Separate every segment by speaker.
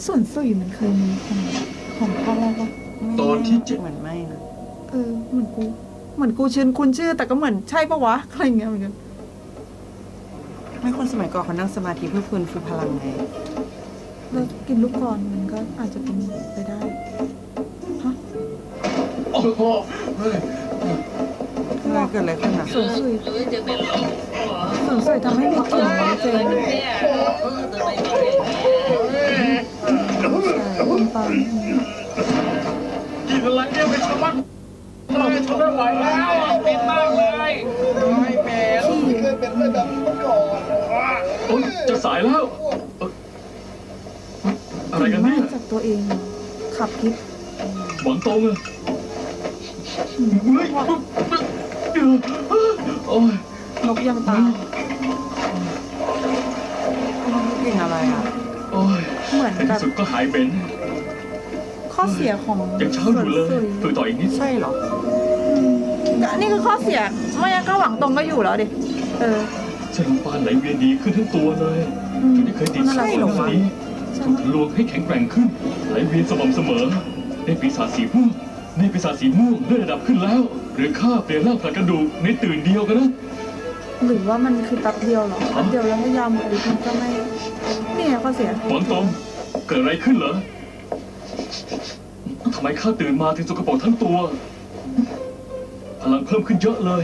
Speaker 1: ส่วนสุยมันเคยมีของภาคแรกปะ
Speaker 2: ตอนที่7
Speaker 3: เหมือนไม่นะ
Speaker 1: เหมือนกูคุ้นชื่อแต่ก็เหมือนใช่ปะวะอะไรเงี้ยเหมือนกัน
Speaker 3: ไม่คนสมัยก่อนเขานั่งสมาธิเพื่อฟื้นฟูพลังไง
Speaker 1: แล้วกินลูกกรอนมันก็อาจจะเป็นไปได้ฮะ
Speaker 2: โอ้โหเฮ้ย
Speaker 3: เกิดอะไรขึ้นอ่ะ
Speaker 1: ส่วนสุยทำให้มีกลิ่นน้ำเจนคุณปัง
Speaker 2: กินอะไรเนี่ยเป็นชะมัดเลยทนไม่ไหวแล้วเป็นมากเลยไม่เป็น
Speaker 1: ที่
Speaker 4: เคยเป็นเลยแบบนี้มาก่อน
Speaker 2: โอ๊ยจะสายแล้วอะไรกันเนี่ย
Speaker 1: จากตัวเองขับพิษ
Speaker 2: หวังตรงอะเฮ้ยโอ้ย
Speaker 1: นกยังตาย
Speaker 3: กลิ่นอะไรอ่ะ
Speaker 2: โอ้ย
Speaker 1: เหมือน
Speaker 2: ใน
Speaker 1: กั
Speaker 2: ที่
Speaker 1: บ
Speaker 2: สุดก็หายเป็น
Speaker 1: ข้อเสียของ
Speaker 2: ยังเช้าอยู่เลยฝึกต่ออีกนิด
Speaker 3: ใช่เหรอ
Speaker 1: นี่คือข้อเสียไม่งั้นก็หวังตรงก็อยู่แล้วดิ
Speaker 2: เส้นลมปานไหลเวียนดีขึ้นทั้งตัวเลยจนได้เคยติด
Speaker 1: ใช่เหรอวะ
Speaker 2: นี้ถูกทะลวงให้แข็งแกร่งขึ้นไหลเวียนสม่ำเสมอได้ปีศาจสีม่วงเลื่อนระดับขึ้นแล้ว หรือข้าเปลี่ยนร่างผลัดกระดูกในตื่นเดียวกันนะ
Speaker 1: หรือว่ามันคือแป๊บเดียวเหรอแป๊บเดียวแล้วถ้ายาวหมดฤทธิ์มันก็ไม่นี่ไงข้อเสีย
Speaker 2: หวังตรงเกิดอะไรขึ้นเหรอทำไมข้าตื่นมาถึงสกปรกทั้งตัว พลังเพิ่มขึ้นเยอะเลย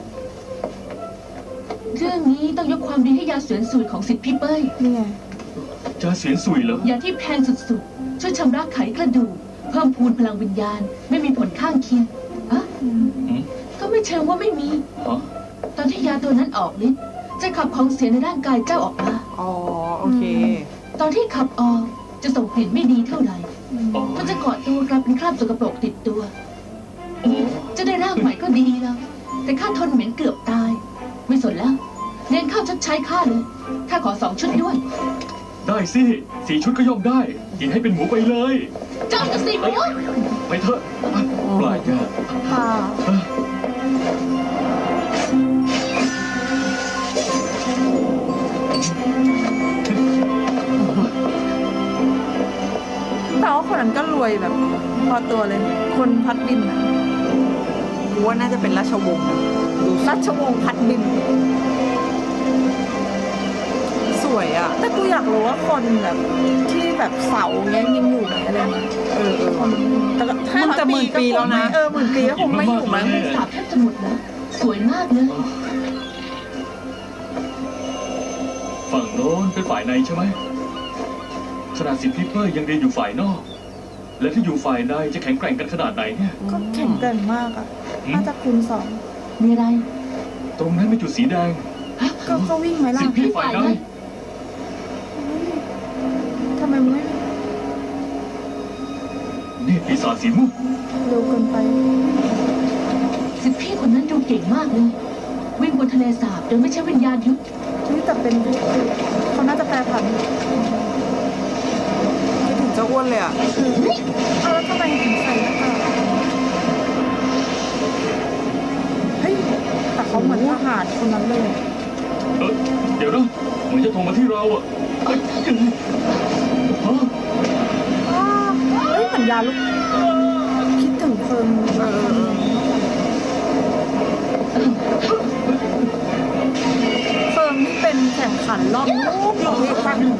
Speaker 5: เรื่องนี้ต้องยกความดีให้ยาเสวนสูตรของสิทธิ์พี่เป้ย
Speaker 1: นี่ไง
Speaker 2: จะเสียนสุยเหรอย
Speaker 5: าที่แพงสุดๆ ช่วยชำระไขกระดูก เพิ่มพูนพลังวิญญาณ ไม่มีผลข้างเคียงอะ
Speaker 2: หืม
Speaker 5: ก็ไม่เชิงว่าไม่มี
Speaker 2: ฮะ
Speaker 5: ตอนที่ยาตัวนั้นออกฤทธิ์จะขับของเสียในร่างกายเจ้าออกมา
Speaker 3: อ๋อ โอเค
Speaker 5: ตอนที่ขับออกจะส่งกลิ่นไม่ดีเท่าไหร่
Speaker 2: อ๋อ
Speaker 5: มันจะเกาะตัวกลายเป็นคราบสกปรกติดตัว
Speaker 2: โอ้
Speaker 5: จะได้ร่างใหม่ก็ดีแล้ว แต่ข้าทนเหม็นเกือบตาย ไม่สนแล้วเน้นข้าวชดใช้ข้าเลยข้าขอ2 ชุดด้วย
Speaker 2: ได้สิ4 ชุดก็ย่อมได้กินให้เป็นหมูไปเลย
Speaker 5: เจ้าจะสิหมู
Speaker 2: ไปเถอะปลายยา
Speaker 1: ป่าแต่ว่าคนนั้นก็รวยแบบพอตัวเลย คนพัดบินอะ
Speaker 3: กูว่าน่าจะเป็นราชวงศ์นะดู
Speaker 1: ราชวงศ์พัดบิน
Speaker 3: สวยอ่ะ
Speaker 1: แต่กูอยากรู้ว่าคนแบบที่แบบเสาเงี้ยยังอยู่ไหมอะไรเงี้ยแต่ก็ถ้า
Speaker 3: มันจะหมื่นปีแล้วนะ
Speaker 1: หมื่นปีก็คงไม่อยู่มั้ง
Speaker 5: สาบแทบจะหมดแล้วสวยมากเลย
Speaker 2: ฝั่งโน้นเป็นฝ่ายในใช่ไหมขนาดสิทธิ์พี่เป้ยยังเรียนอยู่ฝ่ายนอก และถ้าอยู่ฝ่ายในจะแข็งแกร่งกันขนาดไหนเนี่ย
Speaker 1: ก็แข็งแกร่งมากอ่ะ น่าจะคูณ2
Speaker 5: มีอะไร
Speaker 2: ตรงนั้นเป็นจุดสีแดง
Speaker 1: ก็วิ่งไหมล่ะ
Speaker 2: สิทธิ์พี่ฝ่ายใน
Speaker 1: ทำไมมึงไม่
Speaker 2: นี่ปีศาจสีม่วง
Speaker 1: เร็วเกินไป
Speaker 5: สิทธิพี่คนนั้นดูเก่งมากเลย วิ่งบนทะเลสาบโดยไม่ใช่วิญญาณยุทธ
Speaker 1: นี่แต่เป็นเขาน่าจะแปรผัน
Speaker 3: ไม่ถึงจะอ้วนเลยอ่ะ
Speaker 1: แล้วทำไมถึงใส่หน้ากากเฮ้ยแต่เขาเหมือนทหารคนนั้นเลย
Speaker 2: เดี๋ยวนะเหมือนจะโทรมาที่เราอ่ะเอ้ยฮะ
Speaker 1: เฮ้ยเหมือนยาลูกคิดถึงเพลิงเพลิงที่เป็นแข่งขันรอบนู้นของเอกภาคหนึ่งอะ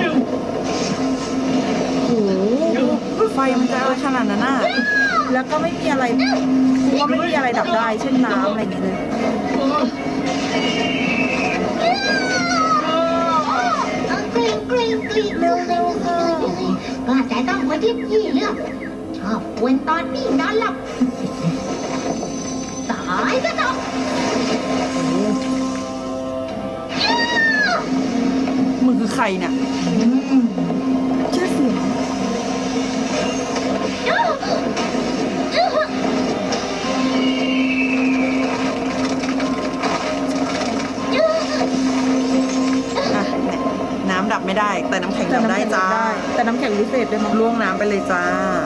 Speaker 3: โอ้โหไฟมันจะอะไรขนาดนั้นน่ะ
Speaker 1: แล้วก็ไม่มีอะไรกูว่าไม่มีอะไรดับได้ เช่นน้ำอะไรอย่างเงี้ยเลย
Speaker 6: กลิ้งกลิ้งกลิ้ง
Speaker 1: เร็วๆค่ะ
Speaker 6: ว่าแต่ต้องคนที่พี่เลือกชอบกวนตอนพี่นอนหลับตายซะเถอะ
Speaker 3: มึงคือใครเนี่ย
Speaker 1: ชื่อเสียง
Speaker 3: อ่ะน้ำดับไม่ได้ แต่น้ำแข็งดับได้จ้า
Speaker 1: แต่น้ำแข็งวิเศษด้วยมั้ง
Speaker 3: ล่วงน้ำไปเลยจ้า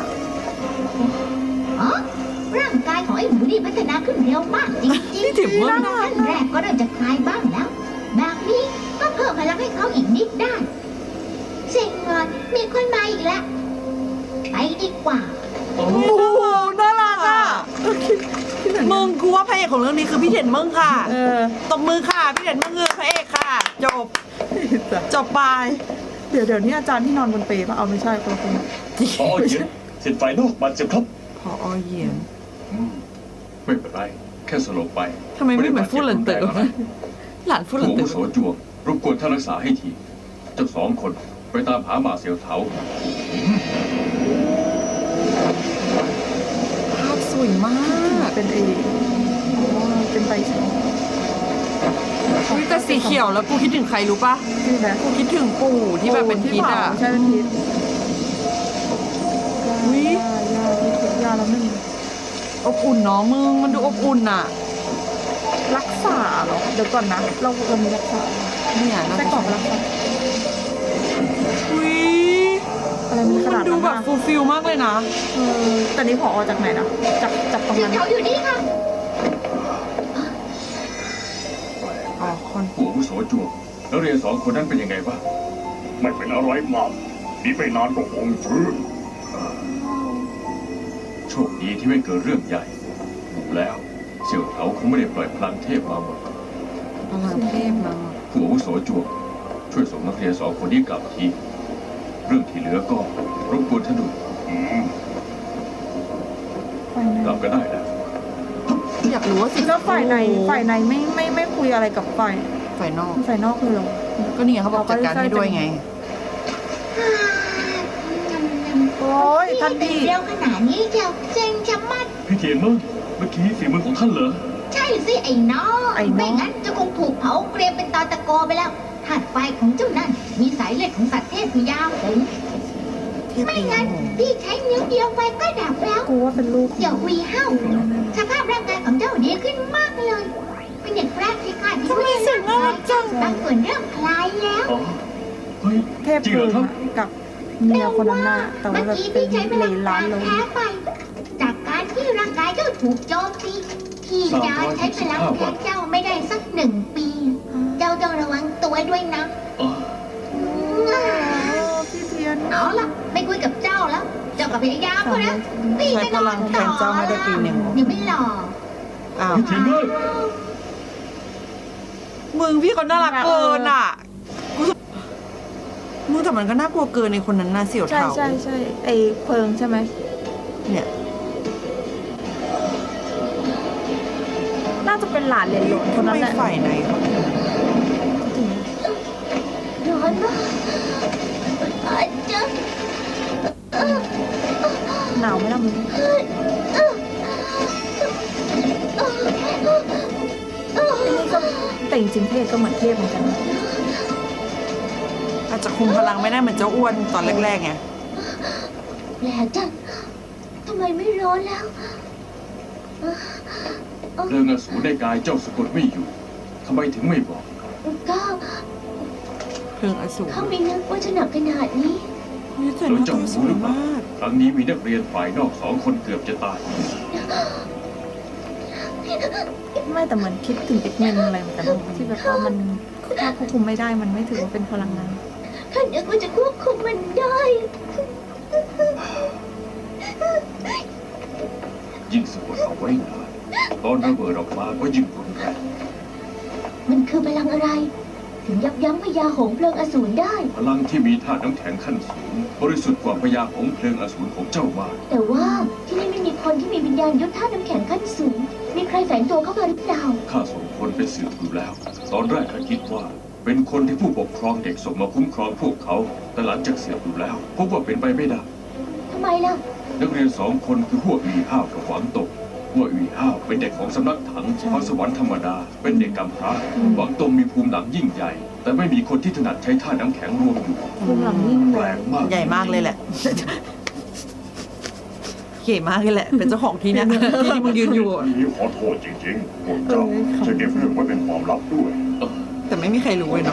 Speaker 6: อ๋อร่างกายของไอ้หมูนี่พัฒนาขึ้นเร็วมากจริงๆ
Speaker 3: นี่ถือว่า
Speaker 6: ขั้นแรกก็เริ่มจะคลายบ้างแล้ว แบบนี้ก็เพิ่มพลังให้เขาอีกนิดได้เซ็งเลยมีคนมาอีกแล้วไปดีกว่า
Speaker 2: โอ้
Speaker 3: โอ้โหน่ารักอ่ะ
Speaker 1: ที่ไหน
Speaker 3: มึงกูว่าพระเอกของเรื่องนี้คือพี่เด่นมึงค่ะ
Speaker 1: เออ
Speaker 3: ตบมือค่ะพี่เด่นมึงคือพระเอกค่ะ จบจบไป
Speaker 1: เดี๋ยวนี่อาจารย์ที่นอนบนเปรย์ป่ะเอาไม่ใช่คนละคน
Speaker 2: พอเย็นเสร็จไฟนอกบาดเจ็บครับ
Speaker 3: พอเหยียน
Speaker 2: ไม่เป็นไรแค่สลบไป
Speaker 3: ทำไมไม่เหมือนฟู่หลันเต๋อ
Speaker 2: ไม่ได้บาดเจ็บรุนแรงอะไร
Speaker 3: หลานฟู่หลั
Speaker 2: ผู้
Speaker 3: น
Speaker 2: อา
Speaker 3: เต๋
Speaker 2: วุ
Speaker 3: อ
Speaker 2: โสจวงรบกวนท่านรักษาให้ที เจ้าสองคนไปตามหาหมาเสียวเถา
Speaker 3: ภาพสวยมาก
Speaker 1: เป็นเป็นใบสี
Speaker 3: อุ๊ยแต่สีเขียวแล้วกูคิดถึงใครรู้ปะ
Speaker 1: ที่ไหน
Speaker 3: กูคิดถึงปู่ที่แบบเป็นพิษอ่ะ
Speaker 1: ใช่เป็นพิษ
Speaker 3: อุ๊ย
Speaker 1: ยาแล้วหนึ่ง
Speaker 3: อบอุ่นเนาะมึงมันดูอบอุ่นอ่ะ
Speaker 1: รักษาเหรอเดี๋ยวก่อนนะเรามีรักษา
Speaker 3: เนี่ยน่า
Speaker 1: ไส้
Speaker 3: จะ
Speaker 1: กรอกรักษา
Speaker 3: อุ๊ย
Speaker 1: อะไรมันข
Speaker 3: มั
Speaker 1: นาด
Speaker 3: นดู
Speaker 1: นั้น
Speaker 3: แบบ
Speaker 1: อะ
Speaker 3: ฟูลฟิลมากเลยนะ
Speaker 1: แต่นี้ผอจากไหนนะจากตรง
Speaker 6: เสีย
Speaker 1: นั้น
Speaker 6: เขาอยู่นี่ค่ะ
Speaker 3: อ๋อคน
Speaker 2: ผู้อาวุโสจวงนักเรียนสองคนนั้นเป็นยังไงบ้าง
Speaker 4: ไม่เป็นอะไรมากนี่ไม่นานก็คงฟื้น
Speaker 2: โชคดีที่ไม่เกิดเรื่องใหญ่ดูแล้วเสี่ยวเถาคงไม่ได้ปล่อยพลังเทพมาหมด
Speaker 3: พลังเทพมา
Speaker 2: ผู้อาวุโสจวงช่วยส่งนักเรียนสองคนนี้กลับที เรื่องที่เหลือก็รบกวนท่านดู กลับก็ได้แล้ว
Speaker 3: อยากรู้ว่าสิ
Speaker 1: แล้วฝ่ายในไม่คุยอะไรกับฝ่าย
Speaker 3: ฝ่ายนอก
Speaker 1: ฝ่ายนอกเลยเหรอ
Speaker 3: ก็นี่ไงเขาบอกจัดการให้ด้วยไง
Speaker 1: โอ้ยท่านพี่
Speaker 6: เร็วขนาดนี้เจ้าเซ็งชะมัด
Speaker 2: พี่เทียนมั่งเมื่อกี้ฝีมือของท่านเหรอ
Speaker 6: ใช่สิไอ้น้องไม่งั้นจะคงถูกเผาเกรียมเป็นตอตะโกไปแล้วธาตุไฟของเจ้านั่นมีสายเลือดของสัตว์เทพอยู่ยาวถึง ไม่งั้นพี่ใช้นิ้วเดียวไฟก็ดับแล้ว
Speaker 1: กูว่าเป็นลูก
Speaker 6: เดี๋ยววีห้าวสภาพร่างกายของเจ้าดีขึ้นมากเลย เป็นอย่างแรกที่ข้าที่ไม่ได้ร่างกายบางส่วนเริ่มคลายแล้ว
Speaker 2: อ๋อ เฮ้ย
Speaker 1: เทพ
Speaker 2: จริงเหร
Speaker 1: เกิ
Speaker 2: อน ครับ
Speaker 1: กับเมียคนนั้นน่ะแต่
Speaker 6: เมื่
Speaker 1: ว่า
Speaker 6: อ
Speaker 1: แบบ
Speaker 6: กี้
Speaker 1: เป็น
Speaker 6: พี่ใช้พ
Speaker 1: เล
Speaker 6: ลัง
Speaker 1: นล้าน
Speaker 6: งาน
Speaker 1: ลง
Speaker 6: แพ้ไป จากการที่ร่างกายเจ้าถูกโจมตีพี่จะใช้พลังแทนเจ้าไม่ได้สัก1 ปี เจ้าต้องระวังตัวด้วยนะ
Speaker 2: อ๋อ
Speaker 1: พี่เทียน
Speaker 6: เอาล่ะไม่คุยกับเจ้าแล้ว เจ้ากับพยายามเขานะพี่จะนอนต่อ
Speaker 3: ใช้พลังแทนเจ้าไม่ได้ปีหนึ่ง
Speaker 6: ยังไม่หล่อ
Speaker 3: อ้าว
Speaker 2: พี่เทียนมั่ง
Speaker 3: มึงพี่เขาน่ารักเกินอ่ะกูรู้สึกมึงแต่มันก็น่ากลัวเกินในคนนั้นน่าเสี่ยว
Speaker 1: ใช่
Speaker 3: เทา
Speaker 1: ใช่ไอเพิงใช่ไหม
Speaker 3: เนี่ย
Speaker 1: น่าจะเป็นหลานเหลนหลงคน
Speaker 3: ทำ
Speaker 1: นั้น
Speaker 3: ไม
Speaker 1: แหละ
Speaker 3: ฝ่ายไหนเขาถึง
Speaker 6: ร้อนมากอาจจะ
Speaker 1: หนาวไหมล่ะมึงแต่จริงๆเทพก็เหมือนเทพเหมือนกันนะ
Speaker 3: อาจจะคุมพลังไม่ได้เหมือนเจ้าอ้วนตอนแรกๆไง
Speaker 6: แปลกจังทำไมไม่ร้อนแล้ว
Speaker 2: เรื่องอสูรในกายเจ้าสะกดไม่อยู่ทำไมถึงไม่บอก
Speaker 6: ก็
Speaker 3: เพลิงอสูร
Speaker 6: เขาไม่นึกว่าจะหนักขนาดนี้
Speaker 3: เฮ้ยแต่หน้าตาสวยมาก
Speaker 2: ครั้งนี้มีนักเรียนฝ่ายนอก2 คนเกือบจะตาย
Speaker 1: ไม่แต่เหมือนคิดถึงอีกเมนอะไรเหมือนกันนะที่แบบว่ามันถ้าควบคุมไม่ได้มันไม่ถือว่าเป็นพลังงาน
Speaker 6: ข้านึกว่าจะควบคุมมันได้
Speaker 2: ยิ่งสะกดเอาไว้นานตอนระเบิดออกมาก็ยิ่งรุนแรง
Speaker 6: มันคือพลังอะไร ถึงยับยั้งพญาหงส์เพลิงอสูรได้
Speaker 2: พลังที่มีธาตุน้ำแข็งขั้นสูง บริสุทธิ์กว่าพยาของเพลิงอสูรของเจ้ามาก
Speaker 6: แต่ว่าที่นี่ไม่มีคนที่มีวิญญาณยุทธธาตุน้ำแข็งขั้นสูง มีใครแฝงตัวเข้ามาหรือเปล่า
Speaker 2: ข้าส่งคนไปสืบดูแล้ว ตอนแรกข้าคิดว่า เป็นคนที่ผู้ปกครองเด็กส่งมาคุ้มครองพวกเขา แต่หลังจากสืบดูแล้วพบว่าเป็นไปไม่ได้
Speaker 6: ทำไมล่ะ
Speaker 2: นักเรียน2 คนคือหัวอีห้าวกับหวังตกหัวอีห้าวเป็นเด็กของสำนักถังพรสวรรค์ธรรมดา เป็นเด็กกำพร้าหวังตงมีภูมิหลังยิ่งใหญ่ แต่ไม่มีคนที่ถนัดใช้ท่าน้ำแข็งรวมอยู่
Speaker 1: ภูมิหลังยิ่ง
Speaker 2: แป
Speaker 1: แร
Speaker 2: ล
Speaker 1: ง
Speaker 2: กมาก
Speaker 3: ใหญ่มากเลยแหละ เก๋มากเลยแหละ เป็นเจ้าของที่เนี่ยที่ที่มึงยืนอยู่อะ
Speaker 4: นี่ขอโทษจริงๆพวกเจ้าจะเก็บเรื่องไว้เป็นความลับด้วย
Speaker 3: แต่ไม่มีใครรู้เลยเนาะ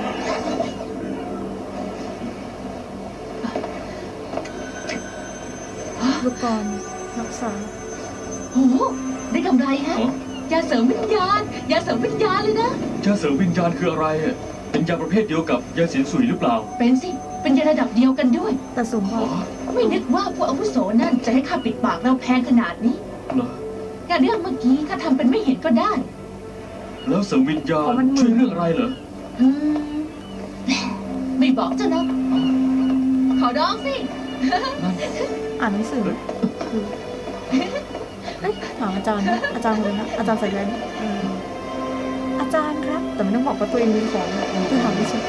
Speaker 1: ลูกกรรักษา
Speaker 5: โอ้โหได้กำไรฮะ
Speaker 2: อ๋อย
Speaker 5: าเสริมวิญญาณ ยาเสริมวิญญาณเลยนะ
Speaker 2: ยาเสริมวิญญาณคืออะไรอะเป็นยาประเภทเดียวกับยาเสียนสุยหรือเปล่า
Speaker 5: เป็นสิเป็นยาระดับเดียวกันด้วย
Speaker 1: แต่สูงกว่า
Speaker 5: ไม่นึกว่าพวกอาวุโสนั่นจะให้ข้าปิดปากเราแพงขนาดนี้
Speaker 2: เหรอ
Speaker 5: แต่เรื่องเมื่อกี้ข้าทำเป็นไม่เห็นก็ได้
Speaker 2: แล้วเสริมวิญญาณช่วยเรื่องอะไรเหรอ
Speaker 5: อืมไม่บอกเจ้านะขอร้องสิ
Speaker 1: อ่านหนังสือคือเอ๊ะถามอาจารย์นะอาจารย์เลยนะอาจารย์ใส่แว่นอาจารย์ครับ แต่ไม่ต้องบอกว่าตัวเองมีของคือถามไม่ใช่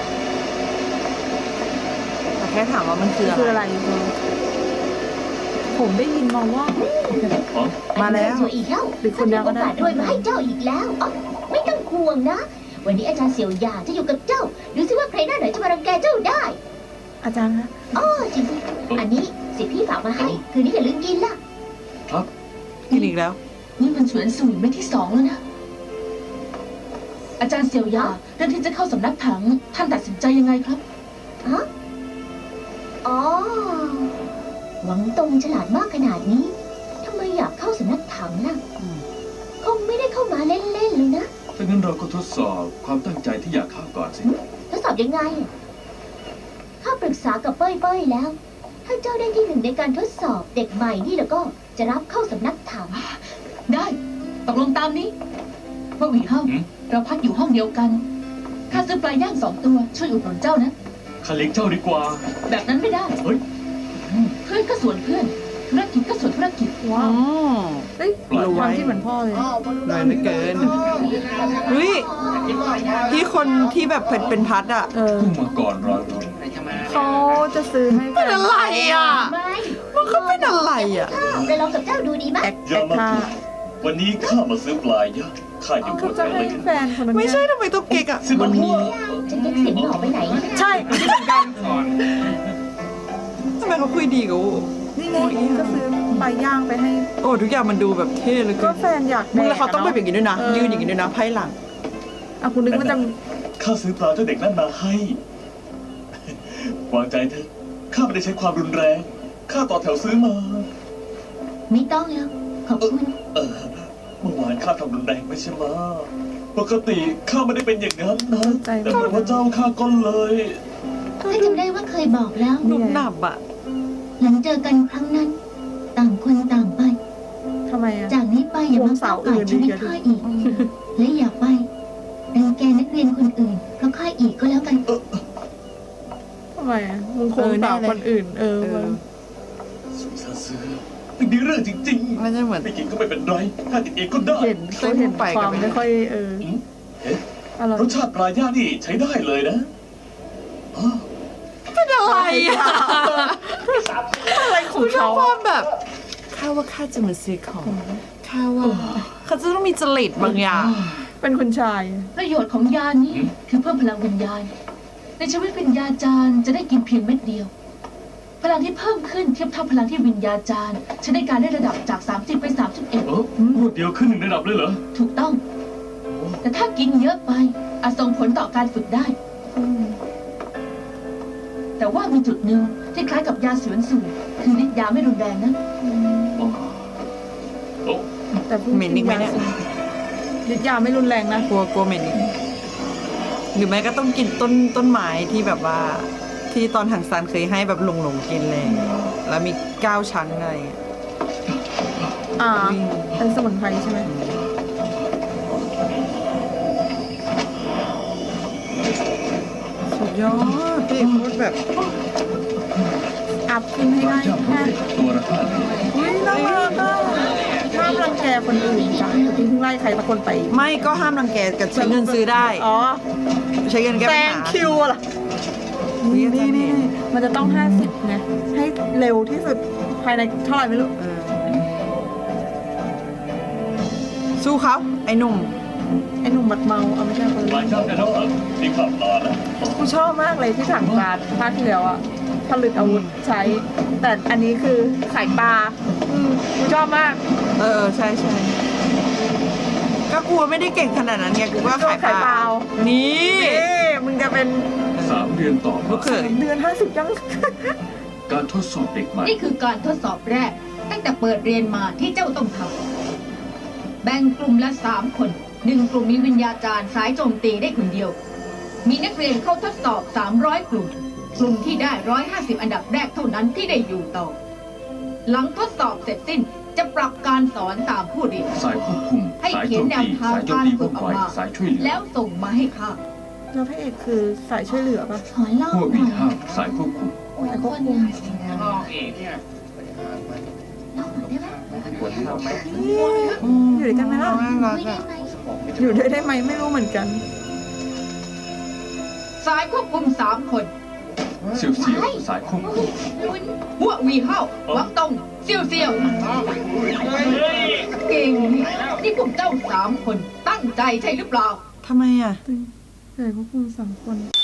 Speaker 3: แต่แค่ถามว่ามันคือ
Speaker 1: คือ
Speaker 3: อะ
Speaker 1: อะไร ไรผมได้ยินมาว่า
Speaker 3: มาแล้ว
Speaker 6: สวยอีกแล้ว
Speaker 1: หรือคนเดียวก็ได้
Speaker 6: โอกาสรวยมาให้เจ้าอีกแล้วอ๋อไม่ต้องห่วงนะ วันนี้อาจารย์เสี่ยวหยางจะอยู่กับเจ้า ดูสิว่าใครหน้าไหนจะมารังแกเจ้าได้
Speaker 1: อาจารย์คะ
Speaker 6: อ๋อจริงๆอันนี้สิพี่ฝากมาให้ คืนนี้อย่าลืมกินล่ะ
Speaker 2: ครับ
Speaker 3: กินอีกแล้ว
Speaker 5: นี่มันสวนสุยเม็ดที่ 2แล้วนะ อาจารย์เสี่ยวยาเรื่องที่จะเข้าสำนักถัง ท่านตัดสินใจยังไงครับ
Speaker 6: ฮะ อ๋อ หวังตรงฉลาดมากขนาดนี้ ทำไมอยากเข้าสำนักถังล่ะ คงไม่ได้เข้ามาเล่นๆเลยนะ
Speaker 2: ถ้างั้นเราก็ทดสอบความตั้งใจที่อยากเข้าก่อนสิ
Speaker 6: ทดสอบยังไงข้าปรึกษากับเป้ยๆแล้ว ถ้าเจ้าได้ที่ 1ในการทดสอบเด็กใหม่นี่แล้วก็จะรับเข้าสำนักถัง
Speaker 5: ได้ตกลงตามนี้ว่าหวีเฮา
Speaker 2: หืม
Speaker 5: เราพักอยู่ห้องเดียวกันข้าซื้อปลาย่าง2 ตัวช่วยอุดหนุนเจ้านะ
Speaker 2: ข้าเลี้ยงเจ้าดีกว่า
Speaker 5: แบบนั้นไม่ได้
Speaker 2: เฮ้ย
Speaker 5: เพื่อนก็ส่วนเพื่อน ธุรกิจก็ส่วนธุรกิจ
Speaker 1: ว้าว
Speaker 3: อืม
Speaker 1: เอ้ย
Speaker 2: ปล่อย
Speaker 1: ความที่เหมือนพ่อเลย
Speaker 3: หน่อยเหลือเกินเฮ้ยที่คนที่แบบเป็นพัดอ่ะ
Speaker 2: ผู้มังกรรอยรถ
Speaker 1: เขาจะซื้อให้แฟ
Speaker 3: เป็น
Speaker 1: น
Speaker 3: อะไรอ่ะ
Speaker 6: ไม่
Speaker 3: มันก็เป็นอะไรอ่ะ
Speaker 6: ไปลองกับเจ้าดูดีไหม
Speaker 1: แอคแอคท่า
Speaker 4: วันนี้ข้ามาซื้อปลาย่างข้าอยู่บ
Speaker 1: เขา
Speaker 4: น
Speaker 1: จะ
Speaker 4: ทะ
Speaker 1: ให้
Speaker 4: เล
Speaker 1: แฟนคนนั้น
Speaker 3: ไม่
Speaker 1: เนี่ย
Speaker 3: ใช่ทำไมต้องเก๊กอ่ะ
Speaker 4: วันนี้
Speaker 6: จะเก็บเสียงหน่อไปไหน
Speaker 1: ใช่คิดเหมือนกัน
Speaker 3: ทำไมเขาคุยดีกับโอ้
Speaker 1: นี่ไงก็ซื้อปลาย่างไปให้
Speaker 3: โอ้ทุกอย่างมันดูแบบเท่เลย
Speaker 1: ก็แฟนอยาก
Speaker 3: มึงแล้วเขาต้องแบบอย่างนี้ด้วยนะ
Speaker 1: เออ
Speaker 3: ยืนอย่างนี้ด้วยนะไพ่หลัง
Speaker 1: อ่ะคุณนึกว่าจะ
Speaker 4: ข้าซื้อปลาเจ้าเด็กนั่นมาให้ วางใจเถอะข้าไม่ได้ใช้ความรุนแรงข้าต่อแถวซื้อมา
Speaker 6: ไม่ต้องแล้วขอบคุณ
Speaker 4: เมื่อวานข้าทำรุนแรงไม่ใช่ไหมปกติข้าไม่ได้เป็นอย่างนั้นนะ
Speaker 1: ใจ
Speaker 4: แต่เป็นว่าเจ้าข้าก็เลย
Speaker 6: ข้าจำได้ว่าเคยบอกแล้ว
Speaker 3: หนุบหนับอ่ะ
Speaker 6: หลังเจอกันครั้งนั้น ต่างคนต่างไป
Speaker 1: ทำไมอ่ะ
Speaker 6: จากนี้ไปอย่ามาก้าวไก่ชีวิตข้าอีก และอย่าไปรังแกนักเรียนคนอื่นเพราะข้าอีกก็แล้วกัน
Speaker 1: ทำไมอ่ะมึงคงสาวคนอื่น
Speaker 3: เออ
Speaker 4: สุนซาซื้อไม่มีเรื่องจริง
Speaker 3: มันจะเหมือน
Speaker 4: ๆไม่กินก็ไม่เป็นไรข้ากินเองก็ได้
Speaker 1: เห็นเขาเห็นความไม่ค่อยอะไร
Speaker 4: รสชาติปลาย่างนี่ใช้ได้เลยนะอ้าว
Speaker 3: เป็นอะไรอ่ะ
Speaker 1: อะไรของ
Speaker 3: ชอ
Speaker 1: เขา
Speaker 3: บความแบบข้าว่าข้าจะมาซื้อของข้าว่าเขาจะต้องมีจริตบางอย่าง
Speaker 1: เป็นคุณชาย
Speaker 5: ประโยชน์ของยานี้คือเพิ่มพลังวิญญาณ ในชีวิตวิญญาจารย์จะได้กินเพียงเม็ดเดียว พลังที่เพิ่มขึ้นเทียบเท่าพลังที่วิญญาจารย์ใช้ในการได้ระดับจาก 30 ไป
Speaker 2: รวดเดียวขึ้น1ระดับเลยเหรอ
Speaker 5: 31 ถูกต้อง แต่ถ้ากินเยอะไปอาจส่งผลต่อการฝึกได้ แต่ว่ามีจุดหนึ่งที่คล้ายกับยาสวนสูตรคือฤทธิ์ยาไม่รุนแรงนะ
Speaker 1: แต่พูด
Speaker 3: เหม็นอีกไหมเนี่ย
Speaker 1: ฤทธิ์ยาไม่รุนแรงนะ
Speaker 3: กลัวเหม็นอีกหรือไม่ก็ต้องกินต้นไม้ที่แบบว่า ที่ตอนถังซานเคยให้แบบหลงกินเลยแล้วมี9 ชั้นอะไรอย่างเงี้ย
Speaker 1: เป็นสมุนไพรใช่ไหม
Speaker 3: สุดยอดพี่พูดแบบ
Speaker 1: อัพขึ้นให้
Speaker 2: ปลา
Speaker 1: ได้
Speaker 2: ย่าง
Speaker 1: แค่
Speaker 2: ตัวละ5 เหรียญ
Speaker 1: อุ้ยน่ารักอ่ะห้ามรังแกคนอื่นจ้ะเมื่อกี้เพิ่งไล่ใครสักคนไป
Speaker 3: ไม่ก็ห้ามรังแกกับใช้เงินซื้อได้
Speaker 1: อ๋อ
Speaker 3: ใช้เงินแก้
Speaker 1: แซ
Speaker 3: ปัญ
Speaker 1: ง
Speaker 3: หา
Speaker 1: คิวอะล่ะนี่มันจะต้อง50ไงให้เร็วที่สุดภายในเท่าไหร่ไม่รู้
Speaker 3: เออสู้เขาไอ้หนุ่ม
Speaker 1: ไอ้หนุ่มบัดเมาเอาไม่ใช่คน
Speaker 4: ปลาย่างได้แล้วเหรอนี่ข้าปลานะ
Speaker 1: กูชอบมากเลยที่ถังปลาภาคที่แล้วอะผลิตอาวุธใช้ แต่อันนี้คือขายปลากูชอบมาก
Speaker 3: ใช่ก็กลัวไม่ได้เก่งขนาดนั้นไงกูก็ขายเปล่านี่
Speaker 1: มึงจะเป็น
Speaker 2: 3 เดือนต่อ
Speaker 3: ลู
Speaker 2: มาก
Speaker 3: เขย
Speaker 1: เดือน50ยัง
Speaker 2: การทดสอบเด็กใหม่
Speaker 5: นี่คือการทดสอบแรก ตั้งแต่เปิดเรียนมาที่เจ้าต้องทำแบ่งกลุ่มละ 3 คน 1 กลุ่มมีวิญญาจารย์สายโจมตีได้คนเดียว มีนักเรียนเข้าทดสอบ 300 กลุ่ม
Speaker 7: กลุ่มที่ได้150 อันดับแรกเท่านั้นที่ได้อยู่ต่อ หลังทดสอบเสร็จสิ้นจะปรับการสอนตามผู้เรียน
Speaker 2: สายควบคุม
Speaker 7: ให้
Speaker 2: สาย
Speaker 7: เขี
Speaker 2: โจ
Speaker 7: ยน
Speaker 2: ม
Speaker 7: แนว
Speaker 2: ตี
Speaker 7: ทาง
Speaker 2: สายโจม
Speaker 7: การ
Speaker 2: ตี
Speaker 7: ฝึ
Speaker 2: ว่อก ง
Speaker 7: ออก
Speaker 2: ไว
Speaker 7: มา
Speaker 2: สายช่วยเหลือ
Speaker 7: แล้วส่งมาให้ข้า
Speaker 1: แล้วพระเอกคือสายช่วยเหลือปะ
Speaker 6: ขอเล่า
Speaker 2: หัว
Speaker 6: ห
Speaker 2: วี
Speaker 6: น่อย
Speaker 2: ห้าสายควบคุม
Speaker 1: สายควบคุม
Speaker 6: เล่าหน่อยได้ไหม
Speaker 1: อยู่ด้วยกันไหมล่ะ
Speaker 3: น่ารัก
Speaker 6: คุยได้
Speaker 3: อะ
Speaker 6: ไหม
Speaker 1: อยู่ด้วยได้ไหมไม่รู้เหมือนกัน
Speaker 7: สายควบคุม3 คน
Speaker 2: เสี่ยวเสี่ยวสายควบคุม
Speaker 7: หัววีเฮาหวังตงเซียวเซียวเก่งนี่พวกเจ้า3 คนตั้งใจใช่หรือเปล่า
Speaker 3: ทำไมอ่ะ
Speaker 1: สายควบคุม3 คน